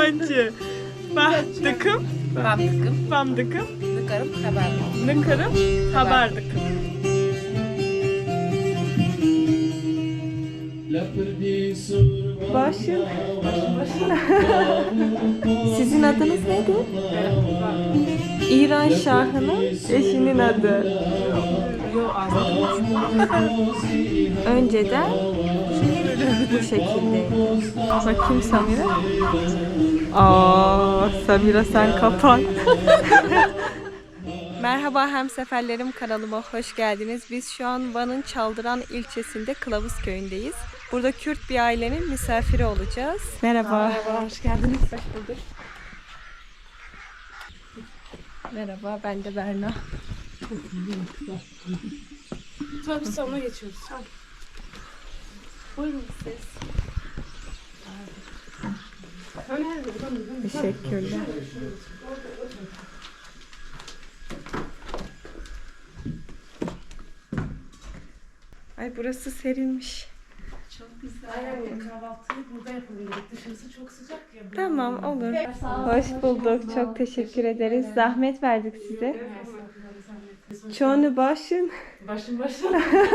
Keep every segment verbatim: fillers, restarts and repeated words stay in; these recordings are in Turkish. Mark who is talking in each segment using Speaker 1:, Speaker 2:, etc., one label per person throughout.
Speaker 1: Yabancı. Bahtıkım.
Speaker 2: Bahtıkım.
Speaker 1: Bamdıkım.
Speaker 2: Nıkarım haber.
Speaker 1: Nıkarım. Haberdıkım. Başım. Sizin adınız neydi? İran Şahı'nın eşinin adı. Önceden bu şekilde. Bakayım Samira. Aa, Samira sen kapan. Merhaba hemseferlerim, kanalıma hoş geldiniz. Biz şu an Van'ın Çaldıran ilçesinde Kılavuz köyündeyiz. Burada Kürt bir ailenin misafiri olacağız. Merhaba.
Speaker 2: Merhaba, hoş geldiniz.
Speaker 1: Hoş bulduk. Merhaba, ben de Berna.
Speaker 2: Tabii sonra geçiyoruz.
Speaker 1: Buyurun siz. Teşekkürler. Ay burası serilmiş.
Speaker 2: Çok güzel. Aynen, kahvaltıyı burada yapalım. Dışarısı çok sıcak ya.
Speaker 1: Tamam, olur. Hoş bulduk. Çok teşekkür ederiz. Zahmet verdik size. Çoğunu başın.
Speaker 2: Başım başım.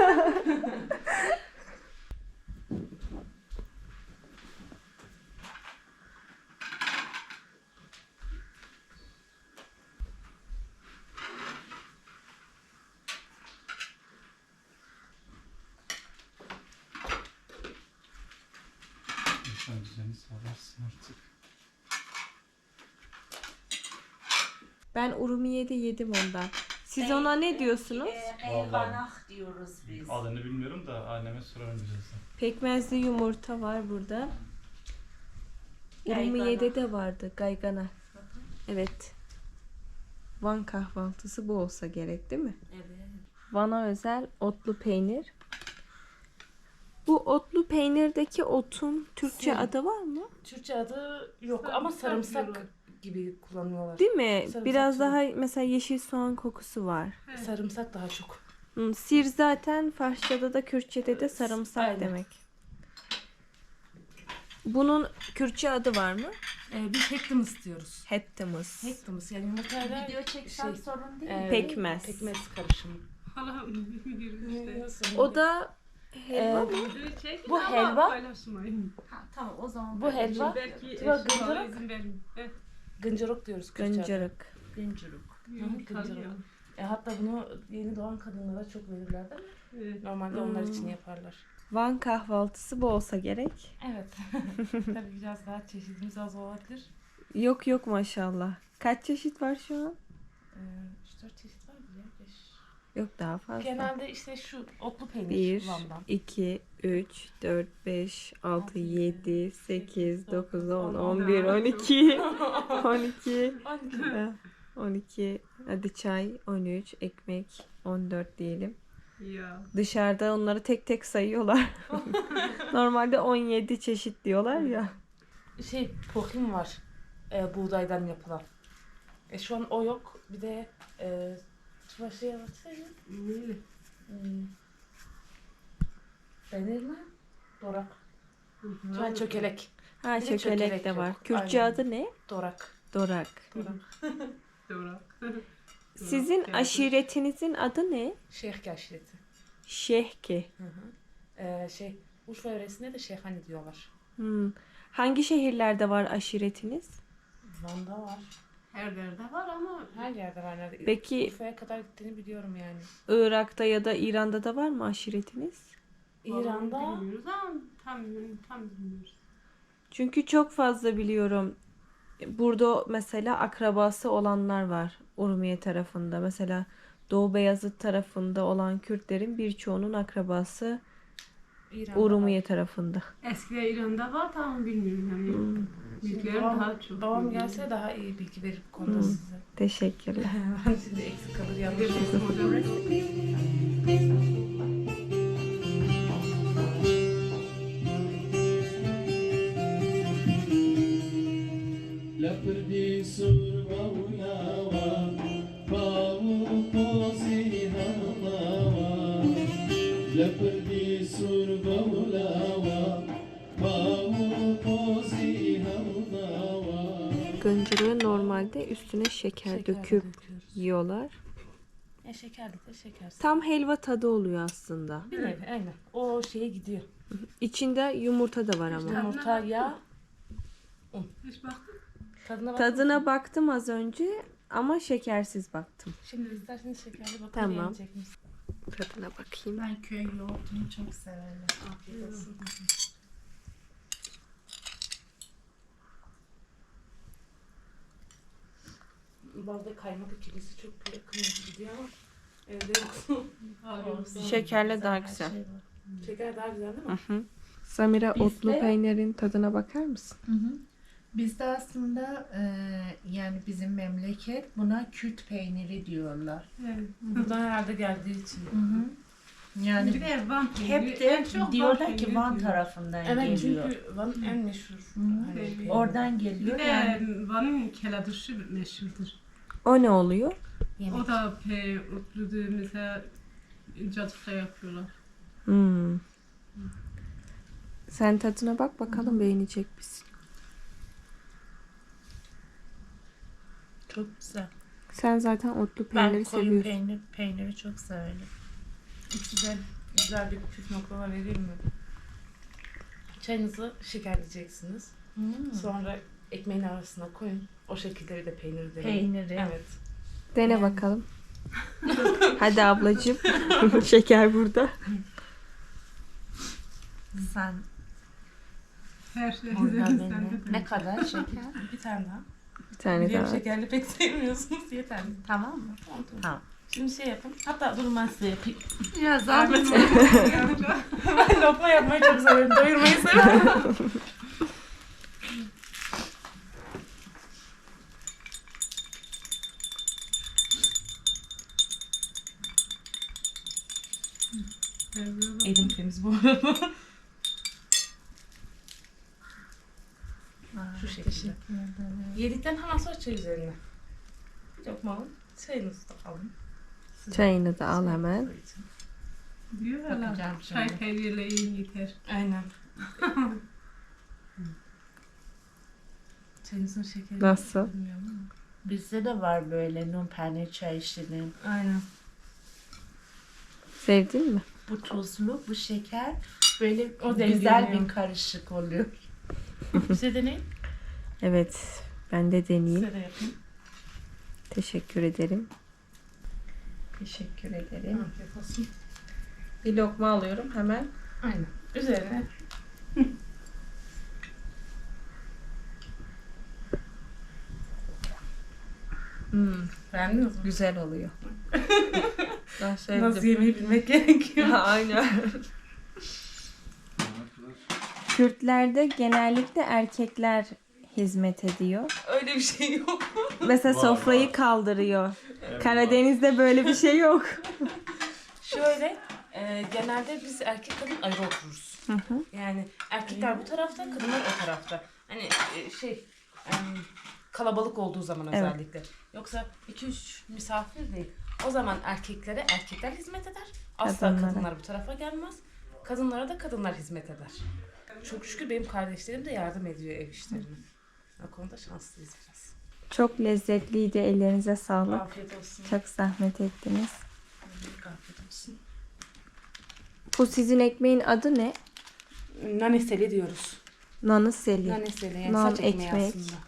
Speaker 1: Ben Urumiye'de yedim ondan. Siz ona ne diyorsunuz?
Speaker 3: Eyvanak diyoruz biz.
Speaker 4: Adını bilmiyorum da anneme sorarım birazdan.
Speaker 1: Pekmezli yumurta var burada. Urumiye'de de vardı gaygana. Evet. Van kahvaltısı bu olsa gerek değil mi?
Speaker 3: Evet.
Speaker 1: Van'a özel otlu peynir. Bu otlu peynirdeki otun Türkçe
Speaker 2: Sim.
Speaker 1: adı var mı?
Speaker 2: Türkçe adı yok ama sarımsak gibi kullanıyorlar.
Speaker 1: Değil mi?
Speaker 2: Sarımsak
Speaker 1: Biraz
Speaker 2: türü.
Speaker 1: daha mesela yeşil soğan kokusu var.
Speaker 2: Sarımsak daha çok.
Speaker 1: Hmm, Sir zaten Farsçada da Kürtçe'de de sarımsak
Speaker 2: Aynen.
Speaker 1: demek. Bunun Kürtçe adı var mı?
Speaker 2: Ee, biz hektimus diyoruz.
Speaker 1: Hettimiz.
Speaker 2: Hektimus yani yumurtayla
Speaker 3: Video çeksem
Speaker 2: şey,
Speaker 3: sorun değil mi?
Speaker 2: e,
Speaker 1: Pekmez.
Speaker 2: Pekmez karışımı.
Speaker 1: O da helva
Speaker 2: Ee,
Speaker 1: mı?
Speaker 2: bu helva,
Speaker 3: Ha, tamam o zaman.
Speaker 2: bu helva
Speaker 5: Belki
Speaker 2: Tuva
Speaker 5: eşim bana
Speaker 2: gıncırık.
Speaker 5: izin verin. Evet,
Speaker 2: gıncırık diyoruz Kürtçe'de.
Speaker 1: Gıncırık.
Speaker 3: Güncürük.
Speaker 2: Gıncırık. E, hatta bunu yeni doğan kadınlara çok verirler değil mi?
Speaker 5: evet.
Speaker 2: Normalde onlar için yaparlar.
Speaker 1: Van kahvaltısı bu olsa gerek.
Speaker 2: Evet. Tabii biraz daha çeşidimiz az olabilir.
Speaker 1: Yok yok maşallah. Kaç çeşit var şu an?
Speaker 2: Ee, üç dört çeşit var mı ya? beş.
Speaker 1: Yok daha fazla.
Speaker 2: Genelde işte şu otlu peynir
Speaker 1: bir,
Speaker 2: Van'dan.
Speaker 1: iki, üç, dört, beş, altı, yedi, sekiz, dokuz, on,
Speaker 2: on,
Speaker 1: on bir, on iki, on iki,
Speaker 2: on iki.
Speaker 1: on iki, hadi çay, on üç, ekmek, on dört diyelim.
Speaker 5: Ya.
Speaker 1: Dışarıda onları tek tek sayıyorlar. Normalde on yedi çeşit diyorlar ya.
Speaker 2: Şey pohim var. E, buğdaydan yapılan. E, şu an o yok. Bir de e, şu şey anlatsana.
Speaker 5: Öyle.
Speaker 2: Hmm. Denir mi? Dorak. Şu an çökelek.
Speaker 1: Ha
Speaker 2: Bir de
Speaker 1: çökelek
Speaker 2: çökelek
Speaker 1: de
Speaker 2: yok.
Speaker 1: var. Kürtçe
Speaker 2: Aynen.
Speaker 1: adı ne?
Speaker 2: Dorak.
Speaker 1: Dorak.
Speaker 2: Dorak.
Speaker 5: Doğru.
Speaker 1: Sizin aşiretinizin adı ne?
Speaker 2: Şeyh aşireti.
Speaker 1: Şehki.
Speaker 2: Hı hı. E, şey Urfa yöresinde de şeyhani diyorlar.
Speaker 1: Hmm. Hangi şehirlerde var aşiretiniz?
Speaker 2: Van'da var.
Speaker 5: Her yerde var ama
Speaker 2: Her yerde var nerede.
Speaker 1: Peki-
Speaker 2: Urfa'ya kadar gittiğini biliyorum yani.
Speaker 1: Irak'ta ya da İran'da da var mı aşiretiniz?
Speaker 2: İran'da
Speaker 5: bilmiyoruz ama tam tam bilmiyoruz.
Speaker 1: Çünkü çok fazla biliyorum. Burada mesela akrabası olanlar var Urumiye tarafında. Mesela Doğu Beyazıt tarafında olan Kürtlerin birçoğunun akrabası
Speaker 2: İran'da
Speaker 1: Urumiye
Speaker 2: var.
Speaker 1: tarafında.
Speaker 5: Eskiden İran'da var tamam bilmiyorum yani.
Speaker 1: Hmm.
Speaker 5: Bilgilerim
Speaker 2: Babam,
Speaker 5: daha çok.
Speaker 2: babam
Speaker 5: bilmiyorum.
Speaker 2: gelse daha iyi bilgi verir bu konuda
Speaker 1: Hmm.
Speaker 2: size.
Speaker 1: Teşekkürler.
Speaker 2: Ben şimdi eksik kalır yanlış.
Speaker 5: Bilirsin hocam.
Speaker 6: لپردی سرما و لاوا باو پوزی هوا لپردی سرما و لاوا باو پوزی هوا
Speaker 1: Gıncırı normalde üstüne şeker,
Speaker 2: Şeker
Speaker 1: döküp
Speaker 2: döküyoruz.
Speaker 1: yiyorlar.
Speaker 2: E şekerli de şekersiz.
Speaker 1: Tam helva tadı oluyor aslında.
Speaker 2: Bir nevi aynen. O şeye gidiyor.
Speaker 1: İçinde yumurta da var ama.
Speaker 2: Yumurta, yağ.
Speaker 5: Hiç baktın.
Speaker 2: Tadına bak.
Speaker 1: Tadına baktım az önce ama şekersiz baktım.
Speaker 2: Şimdi isterseniz şekerli bakın.
Speaker 1: Tamam.
Speaker 2: beğenecek misiniz?
Speaker 1: Tadına bakayım.
Speaker 3: Ben köy yoğurdunu çok severim.
Speaker 2: Afiyet olsun. Bazı kaymak ikilisi çok böyle kırmızı gidiyor ama evde yok. Olsun.
Speaker 1: Şekerle daha güzel.
Speaker 2: Şeker daha güzel değil mi?
Speaker 1: Hı hı. Samira,
Speaker 3: Bizde-
Speaker 1: otlu peynirin tadına bakar mısın?
Speaker 3: Hı hı. Bizde aslında e, yani bizim memleket buna Kürt peyniri diyorlar.
Speaker 5: Evet.
Speaker 2: Buradan herhalde geldiği için.
Speaker 3: Hı hı. Yani
Speaker 5: Bir de Van peyniri.
Speaker 3: hep
Speaker 5: En
Speaker 3: de
Speaker 5: çok Van
Speaker 3: diyorlar ki
Speaker 5: peyniri
Speaker 3: Van
Speaker 5: diyor.
Speaker 3: tarafından
Speaker 2: Evet
Speaker 3: geliyor.
Speaker 2: çünkü Van'ın en meşhur.
Speaker 3: Hı.
Speaker 2: hani
Speaker 5: Evet.
Speaker 2: peyniri.
Speaker 3: Oradan
Speaker 5: Bir
Speaker 3: geliyor
Speaker 5: de
Speaker 3: yani.
Speaker 5: Van'ın keladırşı meşhurdur.
Speaker 1: O ne oluyor?
Speaker 2: Yemek.
Speaker 5: O da pe otludu mesela cadıkta yapıyorlar.
Speaker 1: Hmm. Sen tadına bak bakalım beğenecek misin?
Speaker 3: Çok güzel.
Speaker 1: Sen zaten otlu
Speaker 3: Ben
Speaker 1: peyniri
Speaker 3: koyun
Speaker 1: seviyorsun.
Speaker 3: peynir, peyniri çok severim.
Speaker 2: Size güzel bir püf noktalar vereyim mi? Çayınızı şekerleyeceksiniz.
Speaker 3: Hmm.
Speaker 2: Sonra ekmeğin arasına koyun. O şekilde bir de peyniri deneyin.
Speaker 3: Peyniri.
Speaker 2: Evet.
Speaker 1: Dene
Speaker 3: Yani.
Speaker 1: bakalım. Hadi ablacığım. Şeker burada.
Speaker 3: Sen
Speaker 5: Her şey
Speaker 3: orada
Speaker 5: sende
Speaker 3: beni.
Speaker 5: de.
Speaker 3: Ne kadar şeker?
Speaker 2: Bir tane daha.
Speaker 1: Bir tane
Speaker 2: Biliyorum
Speaker 1: daha.
Speaker 2: şekerli pek sevmiyorsunuz. Yeterli.
Speaker 3: Tamam mı?
Speaker 2: Tamam, tamam.
Speaker 3: Tamam.
Speaker 2: Şimdi şey yapın. Hatta durun ben size yapayım.
Speaker 3: Ya zahmet.
Speaker 2: Ben lokma yapmayı çok severim. Doyurmayı severim. Elim temiz bu arada. Şu şekilde. Yedikten hemen sonra çay üzerine. Bir lokma alın. Çayınızı da alın.
Speaker 1: Çayını da al hemen.
Speaker 5: Diyorlar.
Speaker 3: Bakacağım
Speaker 5: Çay
Speaker 3: şimdi.
Speaker 5: peynirle iyi yeter.
Speaker 2: Aynen. Çayınızın şekeri.
Speaker 1: Nasıl?
Speaker 2: Bilmiyorum ama.
Speaker 3: Bizde de var böyle numpane çay işinin.
Speaker 2: Aynen.
Speaker 1: Sevdin mi?
Speaker 3: Bu tuzlu, bu şeker. Böyle
Speaker 2: O
Speaker 3: güzel
Speaker 2: dengeliyor.
Speaker 3: bir karışık oluyor.
Speaker 2: Size deneyin.
Speaker 1: Evet. Ben de deneyeyim.
Speaker 2: Size de yapayım.
Speaker 1: Teşekkür ederim.
Speaker 3: Teşekkür ederim.
Speaker 2: Afiyet olsun.
Speaker 1: Bir lokma alıyorum hemen.
Speaker 2: Aynen. Üzerine
Speaker 1: Hmm,
Speaker 2: beğendiniz mi?
Speaker 1: güzel oluyor. Ben
Speaker 2: Nasıl
Speaker 1: sevdim.
Speaker 2: yemeği bilmek gerekiyor.
Speaker 1: Aynen. Kürtlerde genellikle erkekler hizmet ediyor.
Speaker 2: Öyle bir şey yok.
Speaker 1: Mesela
Speaker 4: Var,
Speaker 1: sofrayı
Speaker 4: var.
Speaker 1: kaldırıyor.
Speaker 4: Evet,
Speaker 1: Karadeniz'de böyle bir şey yok.
Speaker 2: Şöyle e, genelde biz erkek kadın ayrı otururuz.
Speaker 1: Hı hı.
Speaker 2: Yani erkekler bu tarafta, kadınlar o tarafta. Hani e, şey e, kalabalık olduğu zaman
Speaker 1: Evet.
Speaker 2: özellikle. Yoksa iki üç misafir değil. O zaman erkeklere erkekler hizmet eder. Asla
Speaker 1: Kadınlara.
Speaker 2: kadınlar bu tarafa gelmez. Kadınlara da kadınlar hizmet eder. Çok şükür benim kardeşlerim de yardım ediyor ev işlerine. O konuda şanslıyız biraz.
Speaker 1: Çok lezzetliydi. Ellerinize sağlık.
Speaker 2: Afiyet olsun.
Speaker 1: Çok zahmet ettiniz.
Speaker 2: Afiyet olsun.
Speaker 1: Bu sizin ekmeğin adı ne?
Speaker 2: Naneseli diyoruz.
Speaker 1: Nanıseli.
Speaker 2: Naneseli yani
Speaker 1: Nan
Speaker 2: saç ekmeği
Speaker 1: ekmek.
Speaker 2: aslında.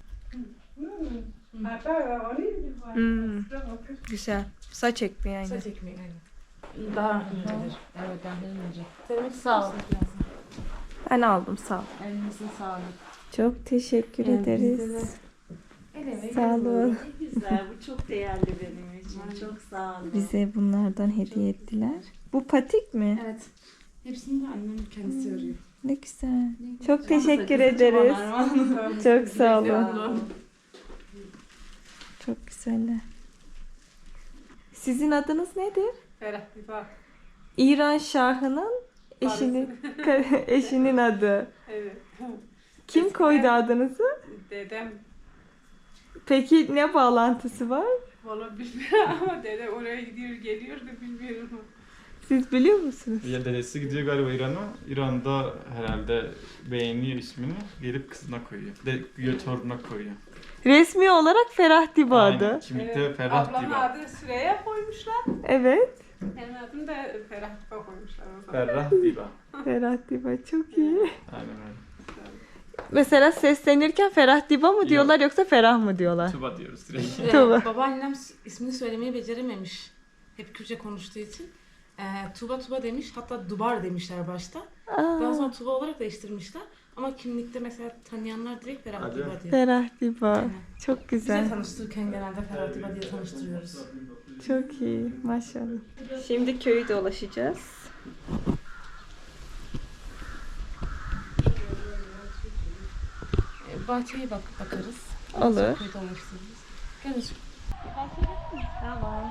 Speaker 1: Hmm, güzel. Saç ekmeği aynı.
Speaker 2: Saç ekmeği aynen. Daha incedir.
Speaker 3: Evet, daha ince.
Speaker 2: Demek
Speaker 3: Sağ ol.
Speaker 1: Ben aldım sağ ol.
Speaker 3: Elinizin sağlık.
Speaker 1: Çok teşekkür
Speaker 2: Evet,
Speaker 1: ederiz.
Speaker 2: bizde de.
Speaker 1: Sağ olun.
Speaker 3: Ne güzel, bu çok değerli benim için. Çok sağ olun.
Speaker 1: Bize bunlardan hediye ettiler. Bu patik mi?
Speaker 2: Evet. Hepsini de annem kendisi örüyor.
Speaker 1: Ne güzel. Çok teşekkür ederiz. Çok sağ olun. Çok güzeller. Sizin adınız nedir?
Speaker 5: Ferah bir bak.
Speaker 1: İran Şahı'nın eşinin eşinin adı.
Speaker 5: Evet.
Speaker 1: Kim koydu adınızı?
Speaker 5: Dedem
Speaker 1: Peki ne bağlantısı var?
Speaker 5: valla bilmiyorum ama dedem oraya gidiyor geliyor da bilmiyorum.
Speaker 1: Siz biliyor musunuz?
Speaker 4: Ya dedesi gidiyor galiba İran'a. İran'da herhalde beğeniyor ismini. Gelip kızına koyuyor. De, torununa koyuyor.
Speaker 1: Resmi olarak Ferah Diba adı.
Speaker 4: Aynen, kimlikte Ferah
Speaker 5: Ablamın
Speaker 4: Diba.
Speaker 5: adı Süreyya koymuşlar.
Speaker 1: Evet.
Speaker 5: Benim adım da Ferah Diba koymuşlar o zaman.
Speaker 4: Ferah Diba.
Speaker 1: Ferah Diba çok iyi.
Speaker 4: Aynen öyle.
Speaker 1: Mesela seslenirken Ferah Diba mı diyorlar yoksa Ferah mı diyorlar?
Speaker 4: Tuba diyoruz direkt.
Speaker 2: Ee,
Speaker 1: Tuba.
Speaker 2: babaannem s- ismini söylemeyi becerememiş. Hep Kürtçe konuştuğu için. Ee, Tuba Tuba demiş. Hatta Dubar demişler başta. Daha sonra Tuba olarak değiştirmişler. Ama kimlikte mesela tanıyanlar direkt Ferah
Speaker 4: Hadi.
Speaker 2: Diba diyor.
Speaker 1: Ferah Diba. Çok
Speaker 2: Bize
Speaker 1: güzel.
Speaker 2: tanıştırırken genelde Ferah Diba diye tanıştırıyoruz.
Speaker 1: Çok iyi. Maşallah. Şimdi köyü dolaşacağız.
Speaker 2: Ee, bahçeye bak bakarız.
Speaker 1: Olur.
Speaker 2: Köyde dolaştırırız. Gel Özgür.
Speaker 1: Tamam.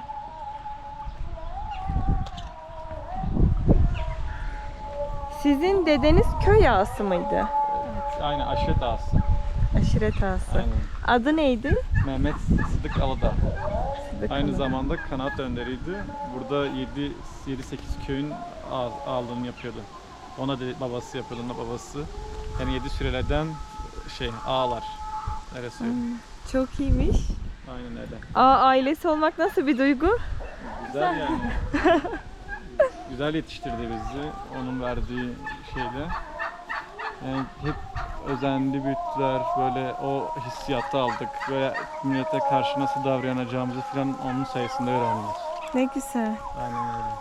Speaker 1: Sizin dedeniz köy ağası mıydı?
Speaker 4: Aynen aşiret ağası.
Speaker 1: Aşiret ağası.
Speaker 4: Aynen.
Speaker 1: Adı neydi?
Speaker 4: Mehmet Sıdık Alıdağ.
Speaker 1: Sıdık
Speaker 4: Aynı
Speaker 1: Hanım.
Speaker 4: zamanda kanaat önderiydi. Burada yedi sekiz köyün ağ- ağalığını yapıyordu. Ona da babası yapıyordu, ona babası. Yani yedi sürelerden şey ağalar. Öyle söyleyeyim.
Speaker 1: Çok iyiymiş.
Speaker 4: Aynen öyle.
Speaker 1: Aa, ailesi olmak nasıl bir duygu?
Speaker 4: Güzel yani. Güzel yetiştirdi bizi. Onun verdiği şeyle. Yani hep özenli büyüttüler. Böyle o hissiyatı aldık. Böyle millete karşı nasıl davranacağımızı falan onun sayesinde öğrendik.
Speaker 1: Ne güzel.
Speaker 4: Aynen öyle.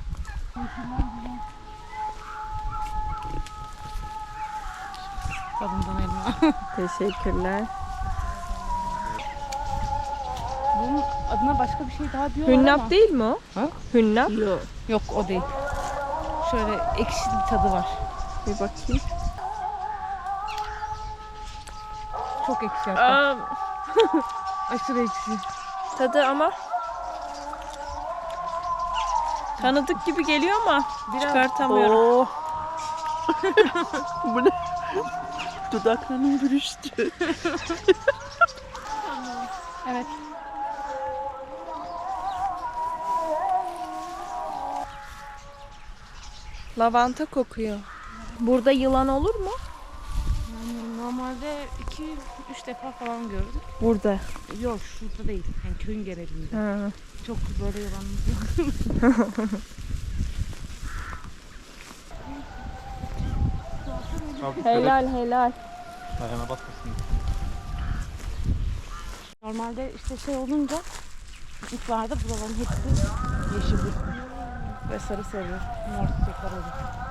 Speaker 2: Tadından elma.
Speaker 1: Teşekkürler.
Speaker 2: Bunun adına başka bir şey daha diyorlar ama.
Speaker 1: Hünnap değil mi o?
Speaker 2: Ha?
Speaker 1: Hünnap.
Speaker 2: Yok. Yok o değil. Şöyle ekşi bir tadı var.
Speaker 1: Bir bakayım.
Speaker 2: Çok ekşi hatta.
Speaker 1: Aa,
Speaker 2: Aşırı ekşi.
Speaker 1: tadı ama tanıdık gibi geliyor ama çıkartamıyorum.
Speaker 7: Oh. Bu ne? Dudaklarım bürüştü.
Speaker 2: Evet.
Speaker 1: Lavanta kokuyor. Burada yılan olur mu?
Speaker 2: Yani normalde iki üç defa falan gördük.
Speaker 1: Burada.
Speaker 2: Yok şurada değil. Yani köyün genelinde.
Speaker 1: Ha.
Speaker 2: Çok böyle yalanımız yok.
Speaker 1: Helal helal.
Speaker 4: Ayağına basmasın.
Speaker 2: Normalde işte şey olunca ilklerde buraların hepsi yeşil ve sarı sarı mor çiçekler olur.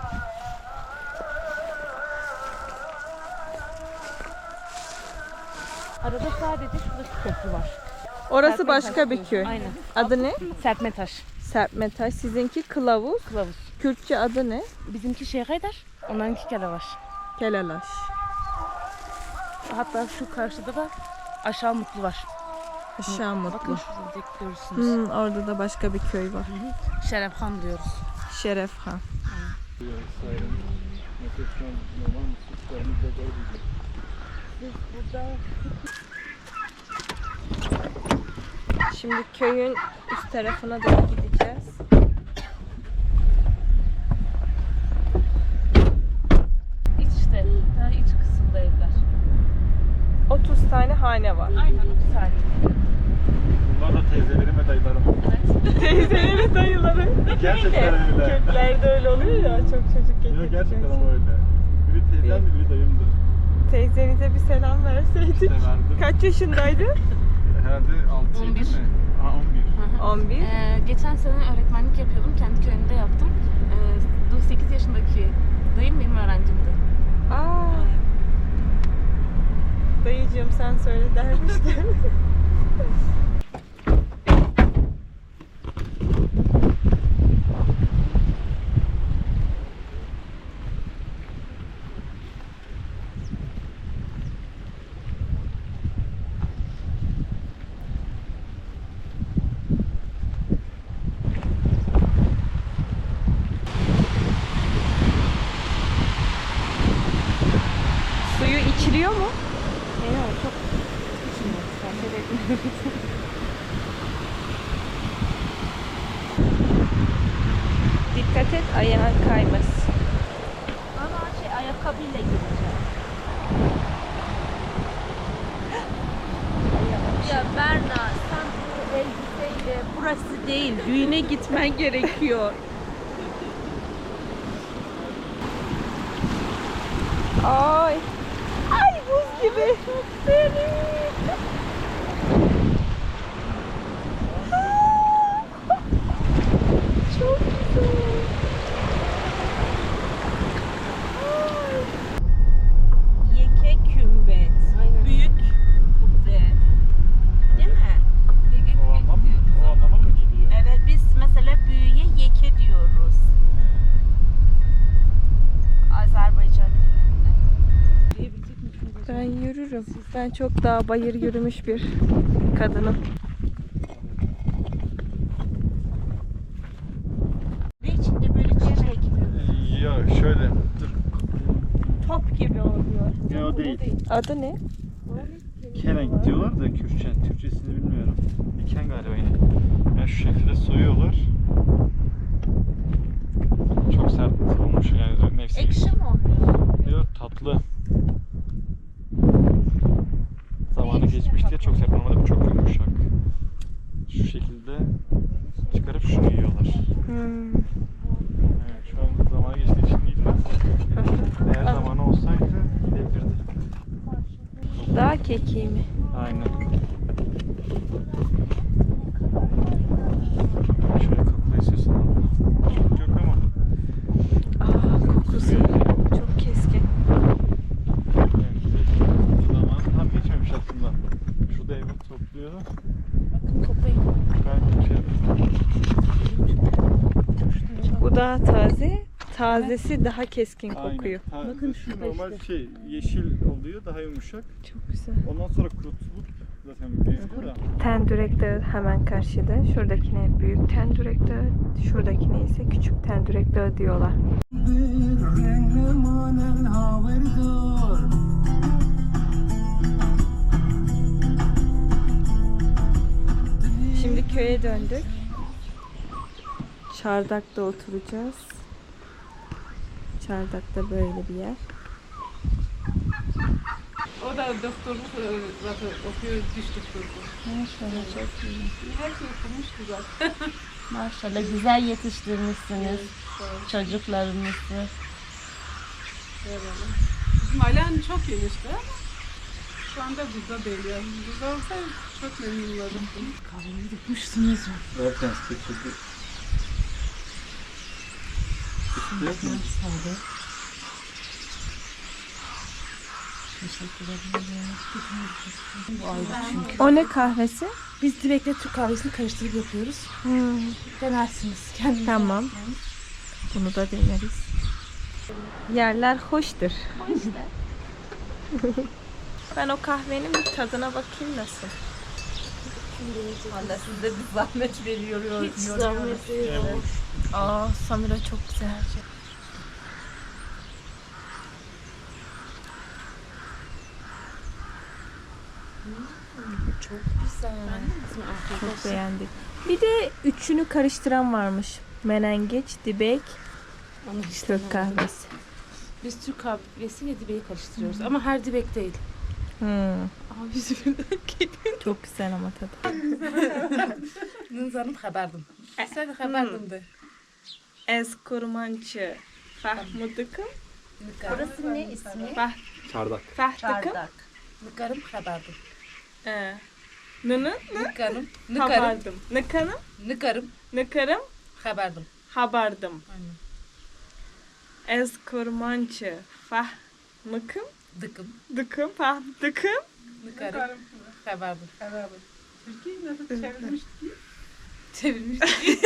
Speaker 2: Arada sadece şuradaki köprü var.
Speaker 1: Orası
Speaker 2: Serpme
Speaker 1: başka
Speaker 2: taş
Speaker 1: bir
Speaker 2: diyoruz.
Speaker 1: köy.
Speaker 2: Aynen.
Speaker 1: Adı ne?
Speaker 2: Serpme taş.
Speaker 1: Serpme taş. Sizinki kılavuz.
Speaker 2: Kılavuz.
Speaker 1: Kürtçe adı ne?
Speaker 2: Bizimki Şeyhaydar, onlarınki Kelevaş.
Speaker 1: Kelalaş.
Speaker 2: Hatta şu karşıda da Aşağı Mutlu var.
Speaker 1: Aşağı
Speaker 2: Bakın
Speaker 1: Mutlu.
Speaker 2: şurada görürsünüz.
Speaker 1: Hmm, orada da başka bir köy var.
Speaker 2: Şerefhan diyoruz.
Speaker 1: Şerefhan. Şimdi köyün üst tarafına doğru gideceğiz.
Speaker 2: İç işte, daha iç kısımda evler.
Speaker 1: otuz tane hane var.
Speaker 2: Aynen otuz tane.
Speaker 4: Bunlar da teyzelerim ve dayılarım.
Speaker 1: Teyzeleri, dayıları.
Speaker 4: Gerçekten öyle.
Speaker 1: Kürtlerde öyle oluyor ya, çok çocuk
Speaker 4: Yok
Speaker 1: getirdikleri
Speaker 4: gerçekten
Speaker 1: için.
Speaker 4: ama öyle. Biri teyzemdi, biri dayımdı.
Speaker 1: Teyzenize bir selam verseydik.
Speaker 4: İşte verdim.
Speaker 1: Kaç yaşındaydı?
Speaker 4: Herhalde altı
Speaker 2: on bir.
Speaker 4: mi? Aha on bir.
Speaker 1: on bir.
Speaker 2: Ee, geçen sene öğretmenlik yapıyordum. Kendi köyümde yaptım. Ee, sekiz yaşındaki dayım benim öğrencimdi.
Speaker 1: Aa. Dayıcığım sen söyle dermişler. Suyu içiliyor mu?
Speaker 2: Yok çok içmiyoruz. Tavsiye etmiyoruz.
Speaker 1: Dikkat et ayağın kaymasın.
Speaker 7: Ama şey ayakkabıyla gireceğim. Düğüne değil, düğüne gitmen gerekiyor.
Speaker 1: Ay. Ay buz gibi. Çok güzel.
Speaker 7: Yeke kümbet. Büyük kubbe. Değil mi?
Speaker 4: O anlam mı? O anlama mı geliyor?
Speaker 7: Evet, biz mesela büyüye yeke diyoruz. Azerbaycan dilinde.
Speaker 1: Ben yürürüm. Ben çok daha bayır yürümüş bir kadınım.
Speaker 7: Ve içinde böyle çiçek.
Speaker 4: Ee, Ya şöyle. Dur.
Speaker 7: Top gibi oluyor.
Speaker 4: Ne o değil.
Speaker 1: Adı ne?
Speaker 4: Kerenk diyorlar da Kürtçe. Türkçesini bilmiyorum. Diken galiba yine. Yani şu şekilde soyuyorlar. Çok sert olmuş yani mevsim.
Speaker 7: Ekşi mi oluyor?
Speaker 4: Yok tatlı. Zamanı geçmiş diye çok sert. Normalde bu çok yumuşak. Şu şekilde çıkarıp şunu yiyorlar.
Speaker 1: Hmm.
Speaker 4: Evet, şu an zamanı geçtiği için yiyilmez. Eğer zamanı olsaydı yiyebilirdi.
Speaker 1: Daha keki mi?
Speaker 4: Aynen. Şöyle kokla istiyorsan abla. Çok yok ama.
Speaker 1: Aa, kokusu çok keskin.
Speaker 4: Evet, peki. Zaman tam geçmemiş aslında. Şurada evi topluyor.
Speaker 7: Toplayın.
Speaker 4: Ben şey
Speaker 1: Bu daha taze. Tazesi daha keskin kokuyor.
Speaker 4: Aynen.
Speaker 7: Bakın
Speaker 4: Şu
Speaker 7: şurada
Speaker 4: normal
Speaker 7: işte.
Speaker 4: şey yeşil oluyor, daha yumuşak.
Speaker 1: Çok güzel.
Speaker 4: Ondan sonra kurutulup zaten büyüyor da.
Speaker 1: Tendürek Dağı hemen karşıda. Şuradakine büyük Tendürek Dağı, şuradakine ise küçük Tendürek Dağı diyorlar. Şimdi köye döndük. Çardak'ta oturacağız. Çardak'ta böyle bir yer.
Speaker 5: O da doktorluk e, zaten okuyor, diş doktorluğu.
Speaker 7: Maşallah çok iyi.
Speaker 5: Hepsi okumuş güzel.
Speaker 7: Maşallah güzel yetiştirmişsiniz çocuklarınızı.
Speaker 5: Bizim ailen çok genişti ama şu anda burada değil yani. Burada olsaydı çok memnun olurdum.
Speaker 2: Kahvemi dökmüşsünüz mü?
Speaker 4: Zaten sıkıntı.
Speaker 2: Sade. Bu ayrı çünkü.
Speaker 1: O ne kahvesi?
Speaker 2: Biz direkt Türk kahvesini karıştırıp yapıyoruz.
Speaker 1: Hmm,
Speaker 2: Denersiniz kendiniz.
Speaker 1: tamam. Bunu da deneriz. Yerler hoştur. Ben o kahvenin bir tadına bakayım nasıl.
Speaker 7: Valla size bir zahmet veriyor.
Speaker 2: Hiç zahmet değil.
Speaker 1: Aa, Samira çok güzel.
Speaker 7: Çok güzel.
Speaker 1: Çok beğendik. Bir de üçünü karıştıran varmış. Menengeç, dibek,
Speaker 2: Onu hiç
Speaker 1: Türk
Speaker 2: denemedim.
Speaker 1: kahvesi.
Speaker 2: Biz Türk kahvesi ve dibeği karıştırıyoruz ama her dibek değil.
Speaker 1: Hmm,
Speaker 2: Ama bizim
Speaker 1: çok güzel ama tadı.
Speaker 2: Nınzanım haberdim. Sen haberdim de.
Speaker 1: Ez kurmançı. Fahmudıkım.
Speaker 7: Orası ne ismi?
Speaker 4: Çardak.
Speaker 1: Fahdıkım.
Speaker 7: Çardak.
Speaker 2: Nıkarım haberdim.
Speaker 1: Ee, Nını.
Speaker 2: Nıkarım. Nıkarım.
Speaker 1: Habardım. Nıkanım.
Speaker 2: Nıkarım.
Speaker 1: Nıkarım.
Speaker 2: Haberdim.
Speaker 1: Habardım.
Speaker 2: Aynen.
Speaker 1: Ez kurmançı. Fahmıkım.
Speaker 2: Dıkım.
Speaker 1: Dıkım. Fahdıkım.
Speaker 2: Nıkarım. Haberdim.
Speaker 5: Türkiye'yi nasıl çevirmiş?
Speaker 2: Çevirmiş.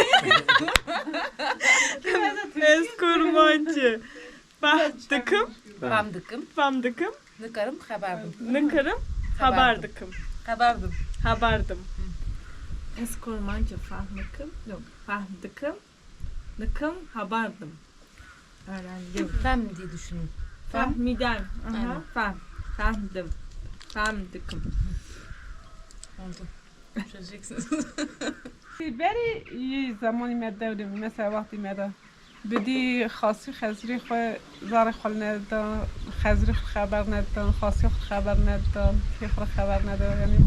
Speaker 1: Ez kurmançı. Fahdıkım.
Speaker 2: Pam dıkım.
Speaker 1: Famdıkım.
Speaker 2: Nıkarım haberdim.
Speaker 1: Nıkarım. Habardıkım.
Speaker 2: Haberdim.
Speaker 1: Habardım. Ez kurmançı. Fahmıkım. Yok. Fahdıkım. Nıkım. Habardım. Öğrendim.
Speaker 2: Ben mi diye düşünün. Fam.
Speaker 1: Fahmidem. Aha.
Speaker 2: Aynen.
Speaker 1: Fahm. Fahmdım. Fahmdıkım.
Speaker 2: Oldu. Çözeceksiniz.
Speaker 5: بری یه زمانی می داریم مثل وقتی میاد بدی خاصی خزری خو زار خال ندان خزری خبر ندان خاصی خبر ندان کی خبر ندان یعنی وقتی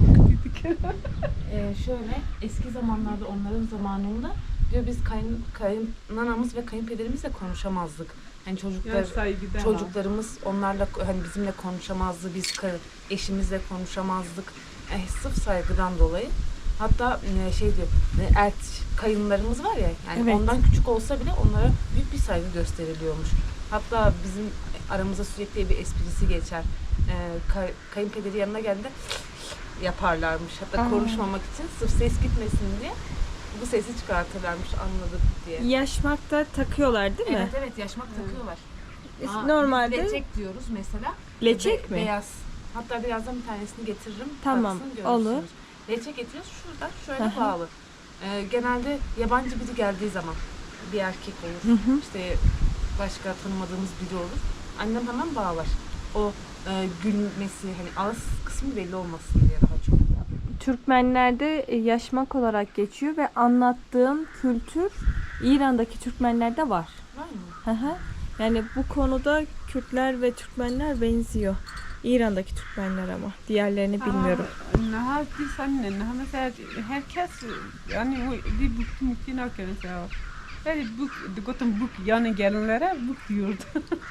Speaker 5: gittik.
Speaker 2: Ee, şöyle eski zamanlarda onların zamanında diyor biz kayın, kayınanamız ve kayınpederimizle konuşamazdık. Hani çocuklar
Speaker 5: Yani saygıdan.
Speaker 2: çocuklarımız onlarla hani bizimle konuşamazdı, biz ka- eşimizle konuşamazdık. Eh, sırf saygıdan dolayı. Hatta e, şey diyor, e, ert kayınlarımız var ya, yani
Speaker 1: Evet.
Speaker 2: ondan küçük olsa bile onlara büyük bir saygı gösteriliyormuş. Hatta bizim aramızda sürekli bir esprisi geçer. E, kay- kayınpederi yanına geldiğinde yaparlarmış. Hatta
Speaker 1: Aa.
Speaker 2: konuşmamak için sırf ses gitmesin diye bu sesi çıkartırlarmış, anladık diye.
Speaker 1: Yaşmakta takıyorlar değil mi?
Speaker 2: Evet evet, yaşmak takıyorlar.
Speaker 1: Biz
Speaker 2: Aa,
Speaker 1: normalde
Speaker 2: biz leçek diyoruz mesela.
Speaker 1: leçek
Speaker 2: Be-
Speaker 1: mi?
Speaker 2: Beyaz. Hatta birazdan bir tanesini getiririm.
Speaker 1: Tamam,
Speaker 2: baksın,
Speaker 1: olur.
Speaker 2: görürsünüz. Leçek getiriyoruz şuradan şöyle
Speaker 1: Hı hı.
Speaker 2: bağlı. Ee, genelde yabancı biri geldiği zaman bir erkek olur.
Speaker 1: Hı hı.
Speaker 2: İşte başka tanımadığımız biri olur. Annem hemen bağlar. O e, gülmesi, hani ağız kısmı belli olmasın diye daha çok.
Speaker 1: Türkmenlerde e, yaşmak olarak geçiyor ve anlattığım kültür İran'daki Türkmenlerde var.
Speaker 2: Var mı?
Speaker 1: Hı hı. Yani bu konuda Kürtler ve Türkmenler benziyor. İran'daki Türkmenler ama diğerlerini bilmiyorum.
Speaker 5: Naha di sen naha mesela herkes yani bu di bu mümkün yok mesela. Yani bu gotum bu yani gelinlere bu diyordu.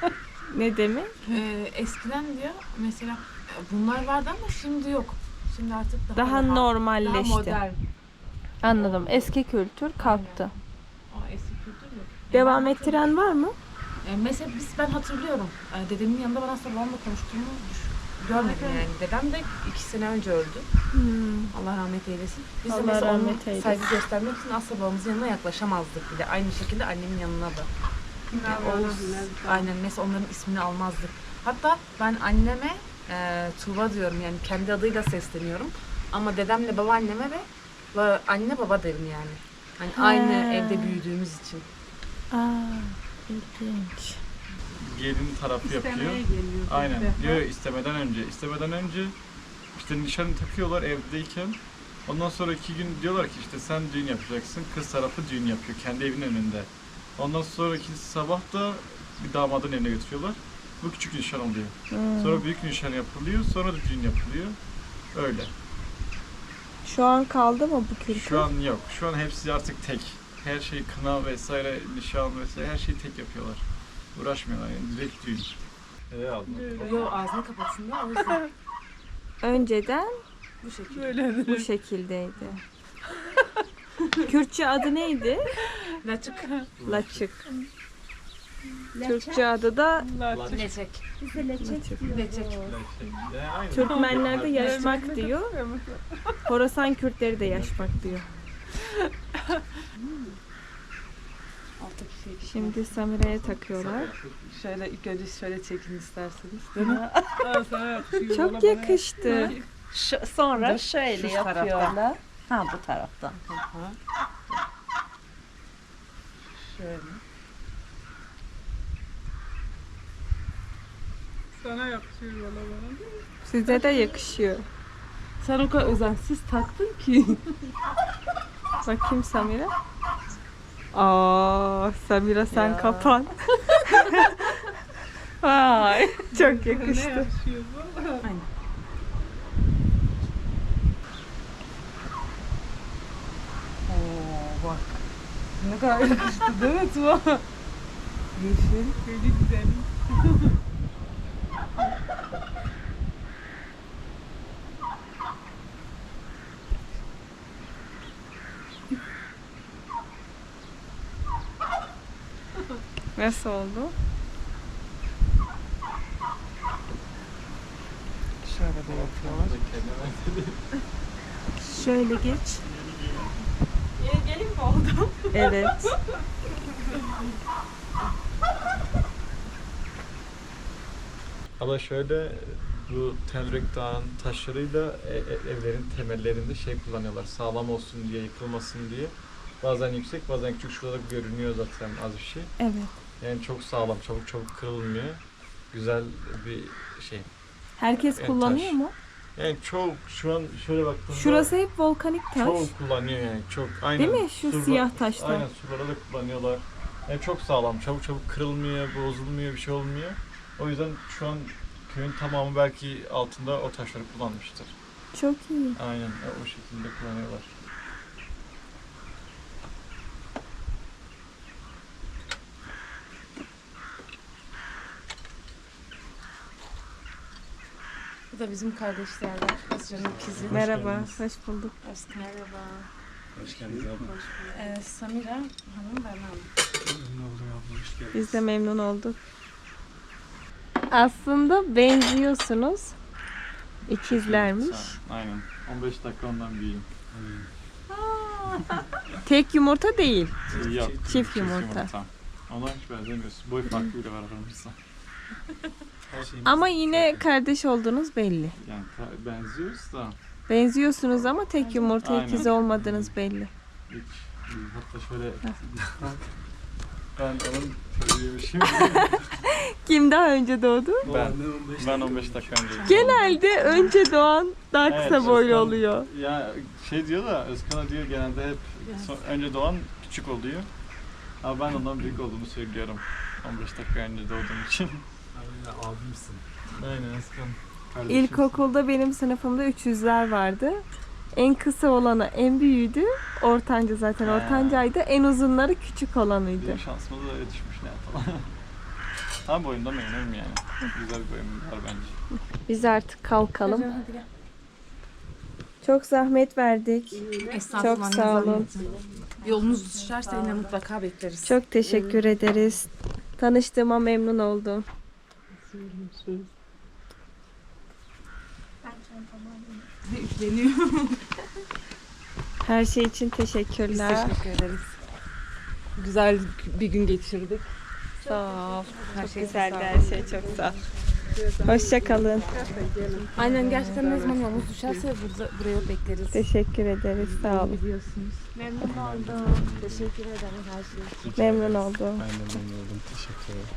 Speaker 1: Ne demek?
Speaker 2: Ee, eskiden diyor mesela bunlar vardı ama şimdi yok. Şimdi artık daha,
Speaker 1: Daha
Speaker 2: rahat,
Speaker 1: normalleşti.
Speaker 2: Daha modern.
Speaker 1: Anladım. Eski kültür kalktı.
Speaker 2: O eski kültür yok.
Speaker 1: Devam
Speaker 2: Ben
Speaker 1: ettiren var mı?
Speaker 2: E, mesela biz ben hatırlıyorum. E, dedemin yanında ben aslında babamla konuştuğumu düş- görmedim yani. Dedem de iki sene önce öldü. Allah rahmet eylesin. Biz de
Speaker 1: Allah
Speaker 2: mesela ona
Speaker 1: rahmet eylesin.
Speaker 2: saygı göstermek için asla babamızın yanına yaklaşamazdık bile. Aynı şekilde annemin yanına da. Yani Oğuz, aynen mesela onların ismini almazdık. Hatta ben anneme e, Tuğba diyorum, yani kendi adıyla sesleniyorum. Ama dedemle babaanneme ve ba- anne baba derim yani. Hani aynı
Speaker 1: He.
Speaker 2: evde büyüdüğümüz için.
Speaker 1: Aa, ilginç.
Speaker 4: Gelin tarafı yapıyor.
Speaker 5: İstemeye geliyor.
Speaker 4: Aynen. Diyor istemeden önce. İstemeden önce işte nişanı takıyorlar evdeyken. Ondan sonra iki gün diyorlar ki işte sen düğün yapacaksın. Kız tarafı düğün yapıyor kendi evinin önünde. Ondan sonraki sabah da bir damadın evine götürüyorlar. Bu küçük nişan oluyor. Sonra büyük nişan yapılıyor. Sonra da düğün yapılıyor. Öyle.
Speaker 1: Şu an kaldı mı bu kültür?
Speaker 4: Şu an yok. Şu an hepsi artık tek. Her şey kına vesaire, nişan vesaire her şeyi tek yapıyorlar. Uğraşmıyorlar yani direkt düğün. Evet aldım.
Speaker 2: Yo, ağzını kapatsın da o yüzden
Speaker 1: Önceden
Speaker 2: bu şekilde.
Speaker 5: Böyle
Speaker 1: bu şekildeydi. Kürtçe adı neydi?
Speaker 2: Laçık.
Speaker 1: Laçık. Türkçe adı da
Speaker 2: Leçek.
Speaker 7: Bize leçek diyor.
Speaker 2: Leçek.
Speaker 1: Türkmenlerde yaşmak diyor. Horasan Kürtleri de yaşmak diyor. Şimdi Samire'ye takıyorlar.
Speaker 8: Şöyle ilk önce şöyle çekin isterseniz.
Speaker 1: Çok yakıştı.
Speaker 7: Şu, sonra
Speaker 8: Dur,
Speaker 7: şöyle
Speaker 8: şu taraftan.
Speaker 7: yapıyorlar. Ha bu taraftan.
Speaker 8: Şöyle.
Speaker 5: Sana yakışıyor valla bana.
Speaker 1: Size de yakışıyor.
Speaker 8: Sen o kadar özensiz taktın ki.
Speaker 1: Bakayım Samira. Aa, Samira sen
Speaker 8: Ya.
Speaker 1: kapan. Vay, çok
Speaker 5: Ne
Speaker 1: yakıştı.
Speaker 5: yakışıyor valla.
Speaker 8: Oo bak. Ne kadar yakıştı değil mi Tuva? Yeşil.
Speaker 5: Böyle güzel.
Speaker 1: Nasıl oldu?
Speaker 8: Şöyle de yapıyorlar.
Speaker 1: Şöyle geç.
Speaker 2: Gelin mi oldu?
Speaker 1: Evet.
Speaker 4: Ama şöyle bu Tenrek Dağı'nın taşlarıyla e- e- evlerin temellerinde şey kullanıyorlar. Sağlam olsun diye, yıkılmasın diye. Bazen yüksek, bazen küçük. Şurada görünüyor zaten az bir şey.
Speaker 1: Evet.
Speaker 4: Yani çok sağlam, çabuk çabuk kırılmıyor. Güzel bir şey.
Speaker 1: Herkes
Speaker 4: Evet,
Speaker 1: kullanıyor
Speaker 4: taş.
Speaker 1: mu?
Speaker 4: Yani çok şu an şöyle baktığımda
Speaker 1: Şurası hep volkanik taş.
Speaker 4: çok kullanıyor yani çok. Aynen.
Speaker 1: Değil mi? Şu
Speaker 4: Surla-
Speaker 1: siyah taşlar.
Speaker 4: Aynen surlara da kullanıyorlar. Yani çok sağlam, çabuk çabuk kırılmıyor, bozulmuyor, bir şey olmuyor. O yüzden şu an köyün tamamı belki altında o taşları kullanmıştır.
Speaker 1: Çok iyi.
Speaker 4: Aynen o şekilde kullanıyorlar.
Speaker 2: Bu da bizim kardeşlerden. Özcan'ın ikizi.
Speaker 1: Merhaba, hoş bulduk.
Speaker 2: Özkan. Merhaba.
Speaker 4: Hoş geldiniz abla.
Speaker 2: Ee, Samira Hanım, Berna Hanım.
Speaker 4: Ne oldu abla, hoş geldiniz.
Speaker 1: Biz de memnun olduk. Aslında benziyorsunuz. İkizlermiş.
Speaker 4: Aynen. on beş dakika ondan büyüğüm.
Speaker 1: Tek yumurta değil.
Speaker 4: Yok.
Speaker 1: Çift yumurta.
Speaker 4: Ona hiç benzemiyorsun. Boy farkıyla var aramızda.
Speaker 1: Ama yine kardeş olduğunuz belli.
Speaker 4: Yani ta- benziyoruz da
Speaker 1: Benziyorsunuz ama tek yumurta
Speaker 4: Aynen.
Speaker 1: ikizi olmadığınız belli.
Speaker 4: hiç. Hatta şöyle ben onun çocuğuymuşum.
Speaker 1: Kim daha önce doğdu?
Speaker 4: ben, ben on beş dakika önce.
Speaker 1: Genelde önce doğan daha
Speaker 4: Evet,
Speaker 1: kısa boylu
Speaker 4: Özkan-
Speaker 1: oluyor.
Speaker 4: Ya şey diyor da Özkan'a diyor genelde hep so- önce doğan küçük oluyor. Ama ben ondan büyük olduğumu söylüyorum. on beş dakika önce doğduğum için.
Speaker 9: Aynen abimsin.
Speaker 4: Aynen Özkan. Kardeşim.
Speaker 1: İlkokulda benim sınıfımda üç yüzler vardı. En kısa olanı en büyüğüydü. Ortanca zaten
Speaker 4: Ha.
Speaker 1: ortancaydı. En uzunları küçük olanıydı.
Speaker 4: Benim şansıma da öyle düşmüş ne yapalım. Ama boyumdan memnunum yani. Güzel bir boyum var bence.
Speaker 1: Biz artık kalkalım.
Speaker 2: Özcan, hadi gel.
Speaker 1: Çok zahmet verdik.
Speaker 2: Estağfurullah,
Speaker 1: Çok
Speaker 2: ne
Speaker 1: sağ olun.
Speaker 2: zahmeti. Yolunuz düşerse yine mutlaka bekleriz.
Speaker 1: Çok teşekkür ederiz. Tanıştığıma memnun oldum.
Speaker 2: Üfleniyor.
Speaker 1: Her şey için
Speaker 2: Biz
Speaker 1: teşekkürler.
Speaker 2: teşekkür ederiz. Güzel bir gün geçirdik.
Speaker 1: Sağ ol.
Speaker 2: Her
Speaker 1: Çok
Speaker 2: şey
Speaker 1: güzeldi
Speaker 2: sağ
Speaker 1: her şey. Çok sağ ol. Hoşça kalın.
Speaker 2: Aynen, gerçekten ne zaman yolunuz düşerse burada, buraya bekleriz.
Speaker 1: Teşekkür ederiz. Sağ olun.
Speaker 2: Biliyorsunuz. Memnun oldum. Teşekkür ederim her şey için.
Speaker 1: Memnun oldum.
Speaker 4: Ben de memnun oldum. Teşekkür ederim.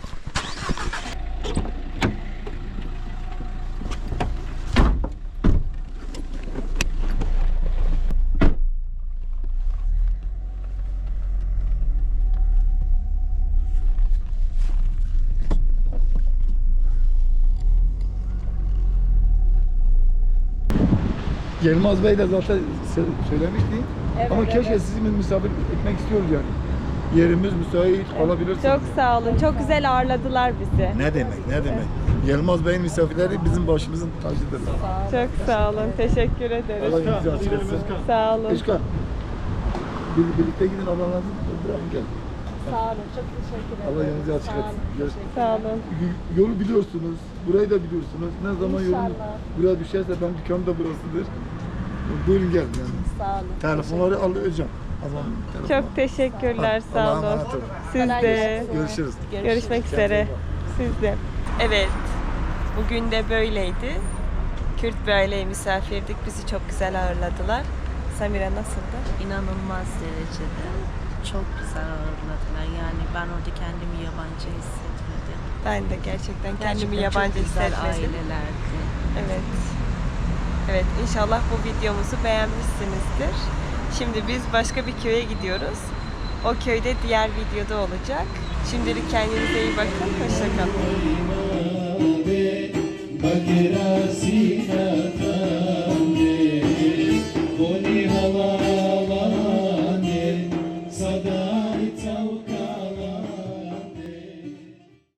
Speaker 9: Yılmaz Bey de zaten se- söylemişti. Ama keşke sizi misafir etmek istiyoruz yani. Yerimiz müsait olabilirsiniz.
Speaker 1: Çok sağ olun. Çok güzel ağırladılar bizi.
Speaker 9: Ne demek, ne demek. Yılmaz Bey'in misafirleri bizim başımızın tacıdır.
Speaker 1: Çok sağ olun. Teşekkür ederiz.
Speaker 9: Allah yüzü açık etsin.
Speaker 1: Sağ olun.
Speaker 9: Işka, bir, birlikte gidin ablanızı bırakın gel.
Speaker 1: Sağ olun. Çok teşekkür
Speaker 9: Allah yolunuzu açık etsin. Görüşmek
Speaker 1: Sağ olun.
Speaker 9: Y- Yolu biliyorsunuz, burayı da biliyorsunuz. Ne zaman yolunuz buraya düşerse ben dükkanım da burasıdır. Buyurun gelin yani.
Speaker 1: Sağ olun.
Speaker 9: Telefonları alacağım. O zaman telefon-
Speaker 1: Çok teşekkürler. Sağ
Speaker 9: Allah'a
Speaker 1: olun.
Speaker 9: emanet olun.
Speaker 1: Siz de.
Speaker 9: Görüşürüz.
Speaker 1: Görüşmek üzere. Siz de. Evet. Bugün de böyleydi. Kürt bir aileye misafirdik. Bizi çok güzel ağırladılar. Samira nasıldı?
Speaker 7: İnanılmaz derecede. Çok güzel ağırladılar. Yani ben orada kendimi yabancı hissetmedim.
Speaker 1: Ben de gerçekten kendimi
Speaker 7: Gerçekten
Speaker 1: yabancı
Speaker 7: çok güzel
Speaker 1: hissetmedim.
Speaker 7: ailelerdi.
Speaker 1: Evet. Evet, inşallah bu videomuzu beğenmişsinizdir. Şimdi biz başka bir köye gidiyoruz. O köyde diğer videoda olacak. Şimdilik kendinize iyi bakın. Hoşça kalın.
Speaker 6: Bagheera